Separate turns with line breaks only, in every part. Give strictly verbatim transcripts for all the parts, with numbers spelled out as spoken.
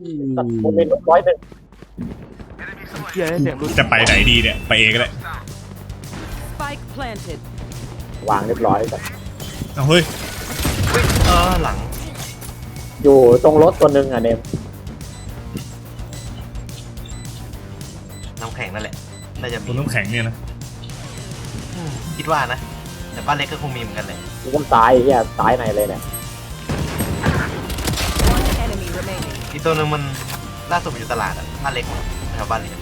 โมเมนต์ร้อยหนึ่ง
เฮียเสียงรุน
จะไปไหนดีเนี่ยไปเองก็ได้
Spike planted.
วางเรียบร้อยแบบ
เอาเฮ้ย
เออหลัง
อยู่ตรงรถตัวหนึ่งอ่ะเนม
น้ำแข็งนั่นแหละน่าจะมี
ตัวน้ำแข็งเนี่ยนะ
คิดว่านะแต่บ้านเล็กก็คงมีเหมือนกันเลย
กูก็ซ้ายเฮียซ้ายไหนเลยเนี่ย
One enemy remaining.
อีกตัวหนึงมันล่าสุดมันอยู่ตลาดอ่ะบ้านเล็กแถวบ้านเล็ก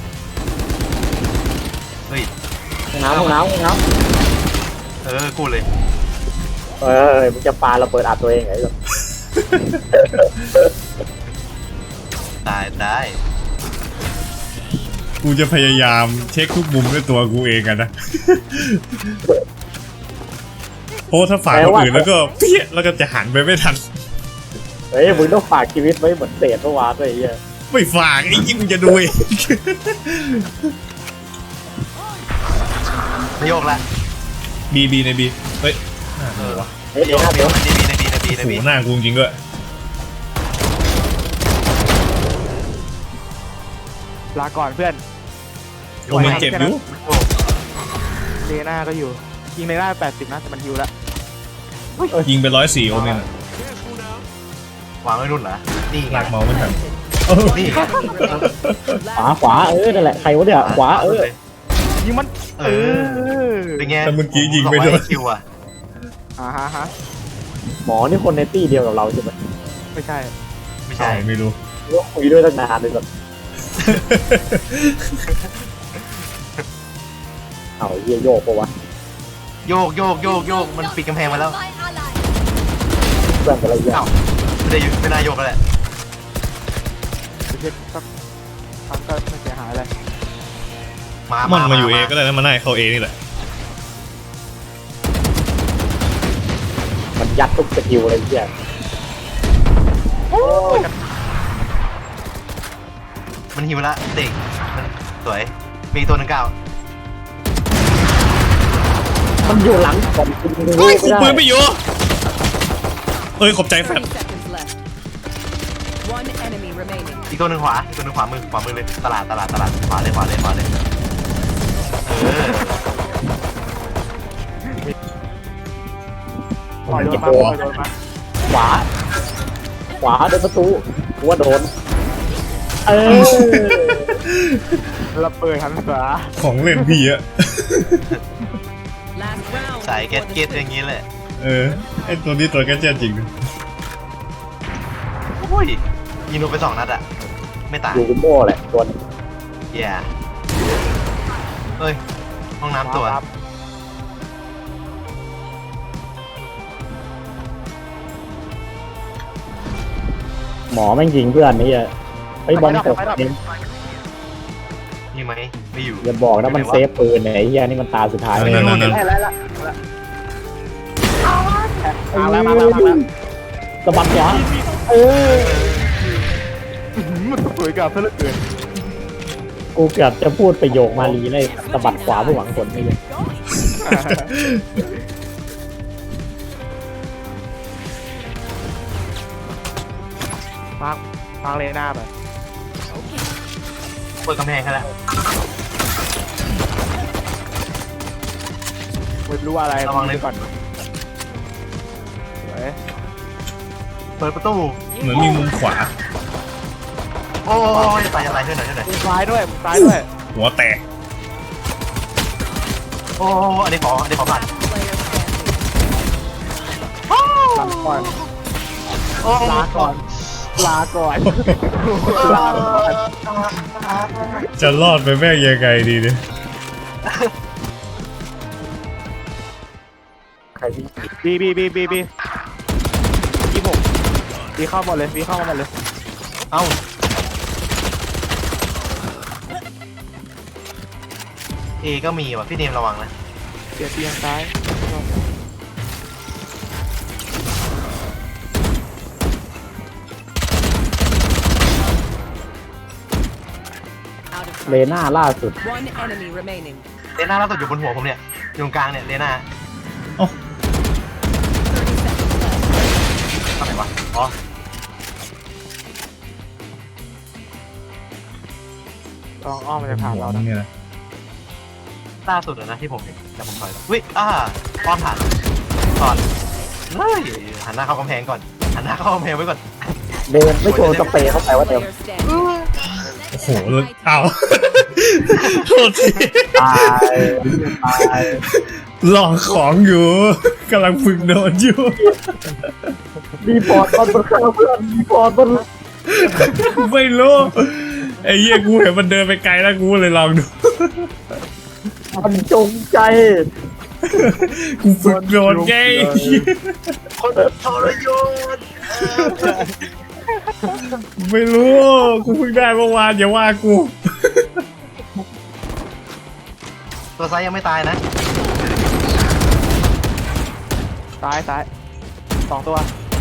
เฮ้ย
ห้องน้ำห้องน้ำห้องน้
เออกูเลย
ำเออมึงจะปาระเบิดอัดตัวเองไงแบบ
ตายได้
กูจะพยายามเช็คทุกมุมด้วยตัวกูเองกันนะเพราะถ้าฝากคนอื่นแล้วก็เปี้ยแล้วก็จะหันไปไม่ทัน
เฮ้ยมึงต้องฝากชีวิตไว้เหมือนเศษเมื่อวานด้วยไอ้เฮีย
ไม่ฝากไอ้ยิ่งมึงจะดูเอง
นายกละ
บีบีในบีเฮ้ย
เออ
เฮ้ย
นาย
เดี๋ย
ก
วนะ
ใน
เดี๋ยว
บีในบีในบีในบีใน
โอ้
บี
โหหน้ากูจริงด้วย
ลาก่อนเพื่อน
โอ้มันเจ็บอยู่
โอ้
เลน่าก็อยู่ยิงเลน่าแปดสิบนะแต่มันฮิวแล้ว
ยิงไปร้อยสี่โอเมนอะ
วางไว้รุ่นเหรอนี่ไง
ลากเมาส์ไม่ทัน
นี่ไง
ขวาขวาเออนั่นแหละใครวะเนี่ยขวาเออ
ยิงมัน
เออเป็นไง
แต่เมื่อกี้ยิงไปโดน
คิวอ่ะ
อ่าฮะฮะ
หมอนี่คนในตี้เดียวกับเราใช่ไหม
ไม่ใช่
ไม่
ใช่
ใช่
ไม่รู้
ว่าคุยด้วยตั้งนานเลยแบบเอาเฮียโยกปะวะ
โยกโยกโยกโยกมันปิดกำแพงมาแล้ว
เพื่อนอะไรเงี้ย
เอ้าไม่ได้อยู่ไม่น่าโยกก็แหละ
ไม่ใช่สักครั้งก็ไม่เสียหายอะไร
มา
มั
มาน
มาอยู่เอก็ได้นะมันน่าเข้าเอนี่แหละ
มันยัดทุกสกิลอะไรเงี้ย
มันหิวละเด็กมันสวยมีตัวหนึ่งเก้า
มันอยู่หลังผมคุณ
เฮ้ยคุมปืนไม่อยู่เอ้ยขอบใจแฟน
thirty seconds left. One enemy remaining.
อีกตัวหนึ่งขวาอีกตัวหนึ่งขวามือขวามือเลยตลาดตลาดตลาดขวาเลยขวาเลยขวาเลยเออ
ปล่อยโดนมาปล่อยโดนมา
ขวา ขวาโดนประตูกูว่าโดน เออ
ระเบิดหันขวา
ของเล่นพี่อะ
Last round.
สายเก็ต
before the
เก็ต
switch.
อย่างนี้แหละ
เออไอตัวนี้ตัวแกเจ็ตจริง
โอ้ยยิงโดนไปสองนัดอะไม่ตาย
อยู่กุมโม่แหละตัวนึง
แย่เฮ้ยห้องน้ำตัว
ครับ
หมอแม่งยิงเพื่อนนี่อ่ะไอ้บอลตกเอง
นี่ไหมไม่อยู่
อย่าบอกนะมันเซฟปืนเนี่ยไอ้เหี้ยนี่มันตาสุดท้ายเลย
นั่นนั่นนั่น
ได้แล้วละมาแล้วมาแล้วมาแล้ว
สะบัดขวาเออ
มันสวยกับเพื่อนเกิน
กูเกือบจะพูดประโยคมาลีเลยสะบัดขวาเพื่อหวังผลไม่เลย
มากมากเลน่าแบบ
เปิดกำแพงแค่แล้ว
ไม่รู้อะไร
ระวังเลย
ก่อนสวย
เปิดประตู
เหมือนมีมุมขวา
โอ้ยไปอะไรช่วยหน่อยช่วยหน่อย
มุมซ้ายด้วยมุมซ้ายด้วย
หัวแตก
โอ้อันนี้ขออันนี้ขอผ่าน
Player standing.
ลาก่อน
โอ้
ลาก่อนลาก่อนลาก่อน
จะรอดไปแม่งยังไงดีเนี่ย
ใครที่
บีบีบีบีบียี่หกบีเข้าหมดเลยบีเข้ามาหมดเลย
เอ้าเอก็มีว่ะพี่เนมระวังนะ
เสียเตียงซ้าย
Out of
เล
sight.
น่าล่าสุด
One enemy remaining.
เลน่าล่าสุดอยู่บนหัวผมเนี่ยอยู่ตรงกลางเนี่ยเลน่า
thirty seconds left.
ทำไมวะอ๋อ
ลองอ้อมมันจะผ่านเรานะ
เนี่ยนะ
ล่าสุดอะนะที่ผมเห็นแต่ผมถอยแล้ววิอ่าป้อมผ่านก่อนเฮ้ยหันหน้าเข้ากำแพงก่อนหันหน้าเข้ากำแพงไว้ก่อน
เดินไม่โชว์สเปรย์เข้าไปว่าเต็ม
Player standing.
โอ้โหแล้วเอาโทษที
ตายตาย
ลองของอยู่กำลังฝึกโดนอยู่
รีพอร์ตมันบนข้าวเพื่อนรีพอร์ตมัน
ไม่รู้ไอ้เหี้ยกูเห็นมันเดินไปไกลแล้วกูเลยลองดู
มันจงใจ
กูฝึกโดนไง
คนทรยศ
ไม่รู้กูเพิ่งได้เมื่อวานอย่าว่ากู
ตัวไซยังไม่ตายนะ
ซ้ายซ้ายสองตัว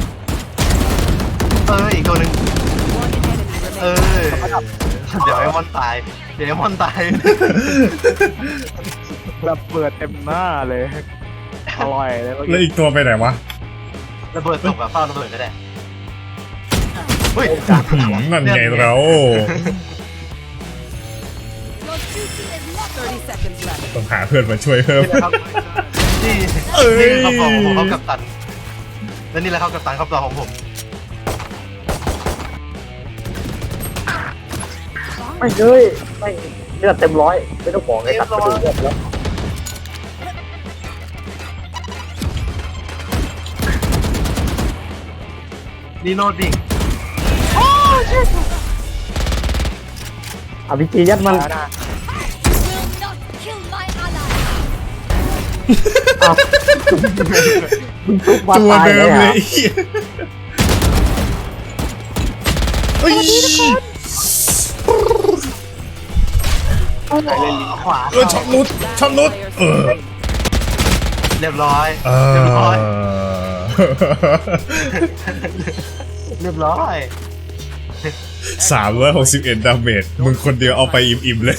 เอออีกตัวหนึ่ง
One enemy
เอ
remaining.
อเดี๋ยวไอ้มอนตายเดี๋ยวไอ้มอนตาย
แบบเปิดเต็มหน้าเลยอร่อยเลยเมื่อ
แล้ว
กี้
อีกตัวไปไหนวะ
ระเบิดตกแบบเฝ้าระเบิดก็ได้เฮ้ย
หืมนั่นไงเรา
thirty seconds left.
ต้องหาเพื่อนมาช่วยเพิ่ม
นี่แหละครับนี่
เอ้ย
นี่เขาบอกผมเขากับตันและนี่แหละเขากับตันครอบครัวของผม
ไม่เลยไม่เลือดเต็มร้อยไม่ต้องบอกเลยตัดกระดูกเลือดแล้ว
นี่โนดดิ่ง
อภิจียัดมัน
ซ้ายหน้า
อ้าวมึงทุบมา
ตัว
ตาย
เดิ
เล
ม
ย
เล
อ่ะ
ยไอ้เหี้ยเอ้ย
ใครเล่นลิงขวา
เออช็อตนุดช็อตนุด
Player
เออ
standing.
เรียบร้อย
เอ
เรียบร้อย
อ
เรียบร้อย
สามร้อยหกสิบเอ็ดดาเมจมึงคนเดียวเอาไปอิ่มๆเลย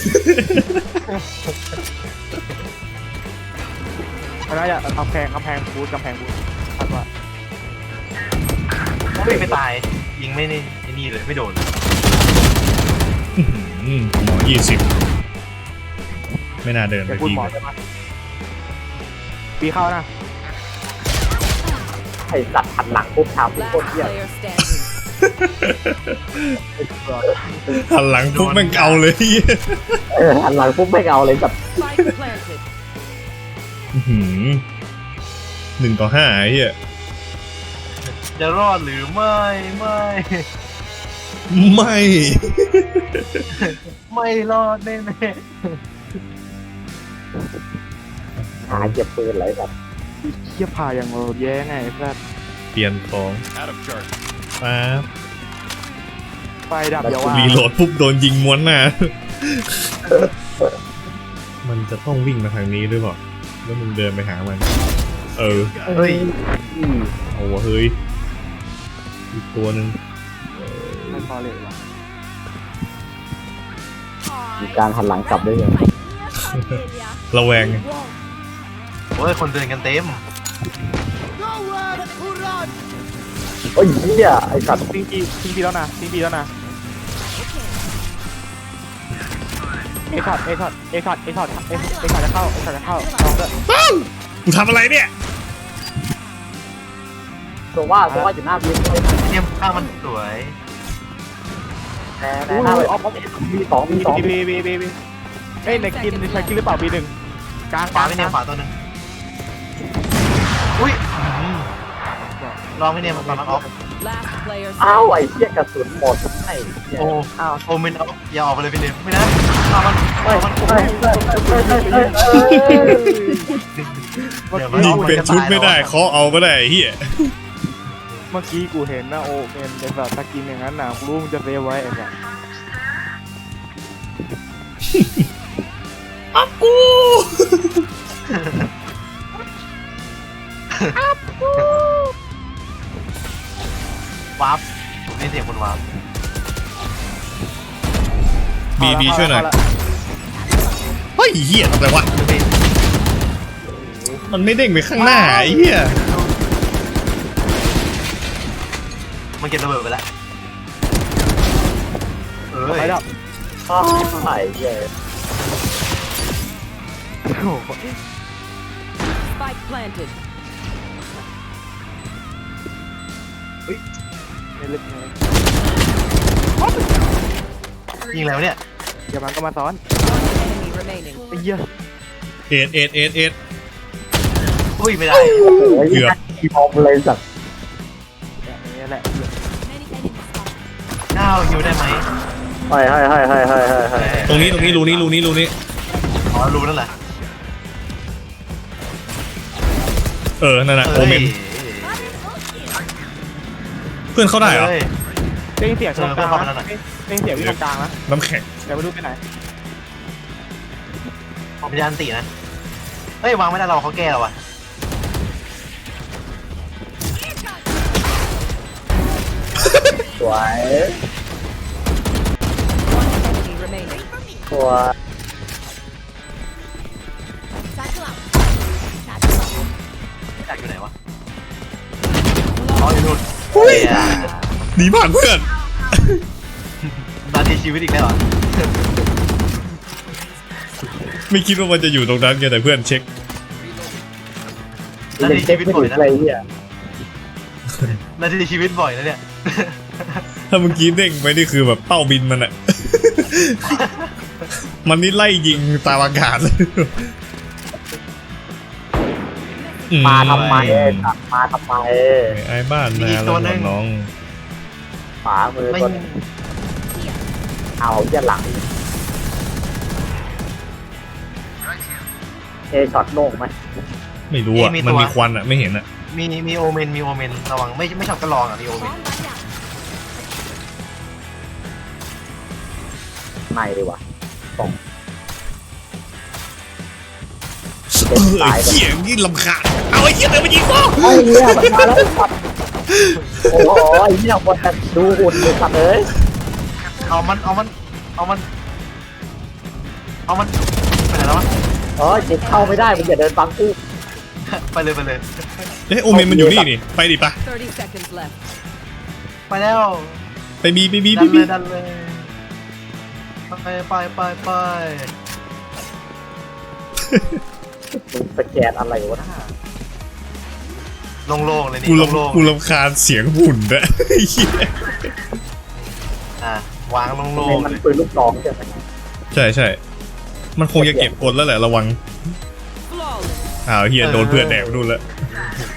มันน่าจะกำแพงกำแพงบูทกำแพงบูทคาดว่า
ไม่ไม่ตายยิงไม่นี่ไอ้นี่เลยไม่โดน
อืมหมอยี่สิบไม่น่าเดินไป
จะพูด
ดี
หมอ
เลย
ใช่ไหมปีเข้านะ
ไอ้สัตว์หันหลังปุ๊บถามทุก
Last
คนเหี้ย
player standing.
หันหลังปุ๊บแม่งเอาเลย
เออหันหลังปุ๊บไม่เอาเลยแบบ
Spike planted.
อื้อหือหนึ่งต่อห้าไอ้เหี้ย
จะรอดหรือไม่ไม่
ไม่
ไม่รอดแน่แน่
หาเก็บปืนอะไรแบบ
เทียบผ่าอย่างเราแย่ไงไอ้สัส
เปลี่ยนของป๊าบ
ไฟดับอย่าว่า
รีโหลดปุ๊บโดนยิงม้วนหน้า มันจะต้องวิ่งมาทางนี้หรือเปล่าแล้วมึงเดินไปหามัน เออ
เฮ้ย
อืม
เอาวะเฮ้ยอีกตัวหนึ่ง
ไม่พอเลยว่ะ
มีการหันหลังกลับได้ยัง
ระแวงไง
โอ้ยคนเดินกันเต็ม
โอ้ยเหี้ยไอ้สัตว์
ปิงปีปิงปีแล้วนะปิงปีแล้วนะเอช็อตเอช็อตเอช็อตเอช็อตเอเอช็อตจะเข้าเอช็อตจะเข้าลองด้วย
กูทำอะไรเนี่ย
ตัวว่าตัวว่าอยู่หน้าบีมเลย
เนี่ยข้างมันสวย
แน่แน่หน้าเลยออฟมีสองมีสอง
บีบีบีบีบีเอ้ยในกินในใช้กินหรือเปล่าบีหนึ่งกลาง
ขวาไม่เนี่ยขวาตัวหนึ่งอุ้ยลองไม่เนี่ยมันตอนนั้นออฟ
Last player
อ้าว
standing.
ไอ้เหี้ยกระสุนหมดไอ้เหี้ย
โอ้
อ้าว
โอ้มินเอาอย่าออกไปเลยพี่เนมไม่นะเอามัน
เฮ้ย
เอามัน
เฮ้ยเฮ้ยเฮ้ยเฮ้ยเฮ้ยเฮ้ย
เดี๋ยวมัน
ยิงเป็นชุดไม่ได้เคาะเอาไม่ได้ไอ้เฮีย
เมื่อกี้กูเห็นนะโอเมนเป็นแบบตะกินอย่างนั้นนะกูรู้มึงจะเซฟไว้ไอ้แบบ
อับกู
วาร์ปผมได้เสียงคนวาร์ป
บีบีช่วยหน่อยเฮ้ยเฮียอะไรวะ
คือพี่
มันไม่เด้งไปข้างหน้าไอ้เฮีย
มันเก็บระเบิดไปแล้วเอ้
ไป
ย
ดับ
อ้าวไอ้เหี้ย
โอ้โห
Spike planted.
ไม่ลึกเลย
ยิงแล้วเนี่ย
เดี๋ยวมันก็มาซ้อน
One enemy remaining.
ไอ้เหี้ย
เอ็ดเอ็ดเอ็ดเอ็ด
อุ้ยไม่ได้
โอ้ย
เกือบ
อีมอมเลยสัตว์
แบบนี้แหละ
ก้าวฮิวได้ไหม
ให้ให้ให้ให้ให้ให้ให้
ตรงนี้ตรงนี้รูนี้รูนี้รูนี้
อ๋อรู้นั่นแหละ
เออนั่นแหละโอเมนเพื่อนเข้าได้เหรอ
เฮ้ย
ได้ยินเสียงตรงกลาง
เออเพิ่มเข้ามาแล้วหน่
นะ
อย
ได้ยินเสียงที่ตรงกลางนะ
น้ำแข็ง
แต่ไม่รู้ไปไหน
ผมจะอันตีนะเฮ้ยวางไม่ได้เราเขาแก้เราอะ
สวย
One enemy remaining.
สวย
อยากอยู่ไหนวะอ๋ออยู่นู่น
อุ้ย
เหี้ย
หนีผ่านเพื่อน
นาทีชีวิตอีกแล้วเหรอ
ไม่คิดว่ามันจะอยู่ตรงนั้นไงแต่เพื่อนเช็ค
นา
เล่น
ที
เช็
ชี
ค
วิต
ไม่
บ่อ
ถึ
ย
ง
นะ
อะไรเหี้ย
นาทีชีวิตบ่อยนะเนี่ย
ถ้าเมื่อกี้เด้งไปนี่คือแบบเป้าบินมันอะ มันนี่ไล่ยิงตามอากาศเลยอื
มาทำไมสัตว์มาทำไม
ไอ้บ้านนาแล้วน้อง
ขวามือ
ไม่
ตัวนึงเอาเหี้ยหลังเอช็อตโล่งไหม
ไม่รู้อ่ะมันมีควันอ่ะไม่เห็นอ่ะ
มีมีโอเมนมีโอเมนระวังไม่ไม่ชอบก็ลองอ่ะมีโอเมน
ในดีกว่าสอง
เออไอ้เหี้ยยิ่งลำคาญเอาไอ้เหี้ยเดินมายิงกู
ไอ้เหี้ยมันมาแล้วสัตว์โอ้โหไอ้เหี้ยคนแต่ดูอุ่นเลยสัตว์เอ้ย
เอามันเอามันเอามันเอามันไปไหนแล้ววะ
เออจิตเข้าไม่ได้มึงอย่าเดินบังกู
ไปเลยไปเลย
เอ้ยโอเมนมันอยู่นี่นี่ไปดิปะ
Thirty seconds left.
ไปแล้ว
ไปบีไปบี
ดั
ไป
นเล
บี
ยดันเลยไปไปไปไป
มึงสแกนอะไรวะน่า
โล่งๆเลยนี่
กู
โล่ง
รำกูรำคาญเสียงหุ่นอะไอ้เหี้ย
ๆอ่ะวางโล่
เม
ง
น
ๆ
มัน
เลย
ปืนลูกน้องใช่ไหม
ใช่ใช่มันคงจะเก็บกดแล้วแหละระวัง
Flawless.
อ้าวเฮียโดนเพื่อนแดกไปนู่นแล้ว
เ